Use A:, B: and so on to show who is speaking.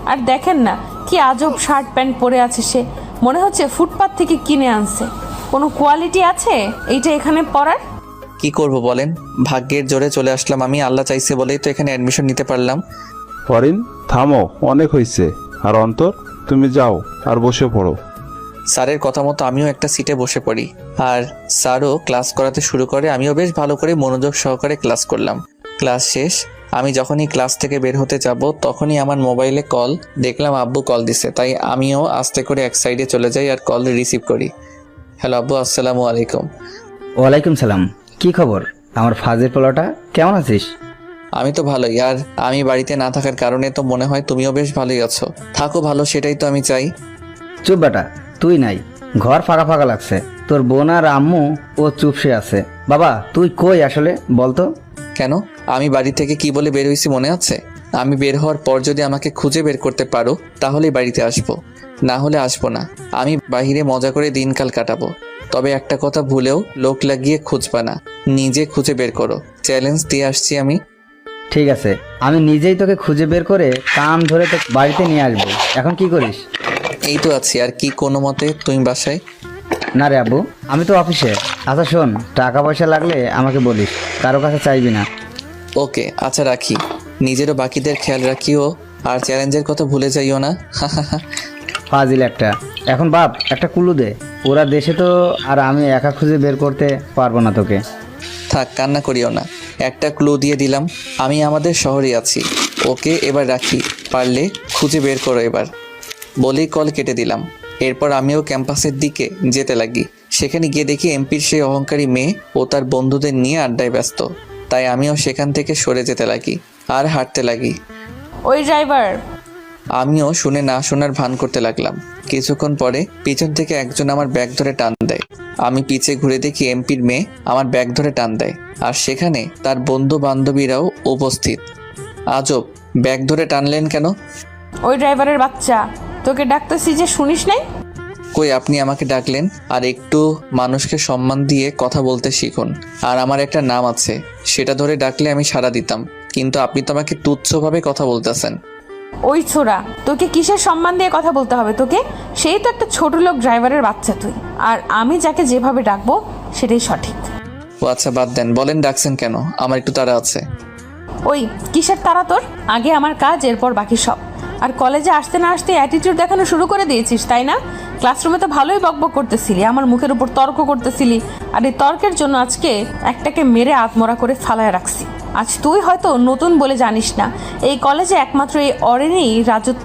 A: আর দেখেন না কি আজব শার্ট প্যান্ট পরে আছে সে, মনে হচ্ছে ফুটপাত থেকে কিনে আনছে। কোনো কোয়ালিটি আছে এইটা এখানে পরার?
B: কি করব বলেন, ভাগ্যের জোরে চলে আসলাম আমি, আল্লাহ চাইছে বলেই তো এখানে অ্যাডমিশন নিতে পারলাম।
C: ফরিন থামো, অনেক হয়েছে। আর অন্তর, তুমি যাও আর বসে পড়ো।
B: স্যারের কথা মতো আমিও একটা সিটে বসে পড়ি, আর স্যারও ক্লাস করাতে শুরু করে। আমিও বেশ ভালো করে মনোযোগ সহকারে ক্লাস করলাম। ক্লাস শেষ, আমি যখনই ক্লাস থেকে বের হতে যাব তখনই আমার মোবাইলে কল, দেখলাম আব্বু কল দিছে। তাই আমিও আস্তে করে এক সাইডে চলে যাই আর কল রিসিভ করি। হ্যালো আব্বু, আসসালামু আলাইকুম।
D: ওয়ালাইকুম সালাম। কি খবর আমার ফাজের পোলাটা, কেমন আছিস?
B: আমি তো ভালোই, আর আমি বাড়িতে না থাকার কারণে তো মনে হয় তুমিও বেশ ভালোই আছো। থাকো ভালো, সেটাই তো আমি চাই।
D: চুপ বেটা, তুই নাই, ঘর ফাঁকা ফাঁকা লাগছে। তোর বোন আর আম্মু ও চুপসে আছে। বাবা তুই কই আসলে বলতো?
B: কেন, আমি বাড়ি থেকে কি বলে বের হয়েছি মনে আছে? আমি বের হওয়ার পর যদি আমাকে খুঁজে বের করতে পারো তাহলেই বাড়িতে আসবো, না হলে আসবো না। আমি বাহিরে মজা করে দিনকাল কাটাবো। তবে একটা কথা ভুলেও লোক লাগিয়ে খুঁজবা না, নিজে খুঁজে বের করো। চ্যালেঞ্জ দিয়ে আসছি আমি।
D: ঠিক আছে, আমি নিজেই তোকে খুঁজে বের করে কান ধরে তো বাড়িতে নিয়ে আসবো। এখন কি করিস?
B: এই তো আছি, আর কি কোনো মতে। তুমি বাসায়?
D: না রে আব্বু, আমি তো অফিসে। আচ্ছা শোন, টাকা পয়সা লাগলে আমাকে বলিস, কারো কাছে চাইবি না।
B: ওকে আচ্ছা, রাখি। নিজেরও বাকিদের খেয়াল রাখিও, আর চ্যালেঞ্জের কথা ভুলে যাইও না।
D: ফাজিল একটা। এখন বাপ একটা কুলু দে, ওরা দেশে তো, আর আমি একা খুঁজে বের করতে পারবো না তোকে।
B: থাক, কান্না করিও না। একটা ক্লু দিয়ে দিলাম, আমি আমাদের শহরে আছি। ওকে এবার রাখি, পারলে খুঁজে বের করো এবার। বলেই কল কেটে দিলাম। এরপর আমিও ক্যাম্পাসের দিকে যেতে লাগি। সেখানে গিয়ে দেখি এমপির সেই অহংকারী মেয়ে ও তার বন্ধুদের নিয়ে আড্ডায় ব্যস্ত। তাই আমিও সেখান থেকে সরে যেতে লাগি আর হাঁটতে লাগি।
A: ওই ড্রাইভার,
B: আমিও শুনে না শোনার ভান করতে লাগলাম। কিছুক্ষণ পরে পিছন থেকে একজন আমার ব্যাগ ধরে টান দেয়। আমি পিছে ঘুরে দেখি এমপির মেয়ে আমার ব্যাগ ধরে টান দেয়, আর সেখানে তার বন্ধু বান্ধবীরাও উপস্থিত। আজব, ব্যাগ ধরে টানলেন কেন?
A: ওই ড্রাইভারের বাচ্চা, তোকে ডাকতেছি যে শুনিস নাই?
B: কই, আপনি আমাকে ডাকলেন? আর একটু মানুষকে সম্মান দিয়ে কথা বলতে শিখুন। আর আমার একটা নাম আছে, সেটা ধরে ডাকলে আমি সাড়া দিতাম, কিন্তু আপনি তো আমাকে তুচ্ছভাবে কথা বলতেছেন।
A: ওই ছোড়া, তোকে কিসের সম্মান দিয়ে কথা বলতে হবে তোকে? সেই তো একটা ছোট লোক ড্রাইভারের বাচ্চা তুই, আর আমি যাকে যেভাবে ডাকবো সেটাই সঠিক।
B: ও আচ্ছা, বাদ দেন, বলেন ডাকছেন কেন? আমার একটু তাড়া আছে।
A: ওই কিসের তারা তোর? আগে আমার কাজ, এরপর বাকি সব। আর কলেজে আসতে না আসতে অ্যাটিটিউড দেখানো শুরু করে দিয়েছিস, তাই না? ক্লাসরুমে তো ভালোই বকবক করতেছিলি, আমার মুখের উপর তর্ক করতেছিলি, আর এই তর্কের জন্য আজকে একটাকে মেরে আত্মরা করে ফালায় রাখছি। আজ তুই হয়তো নতুন বলে জানিস না, এই কলেজে একমাত্র এই অরেনেই রাজত্ব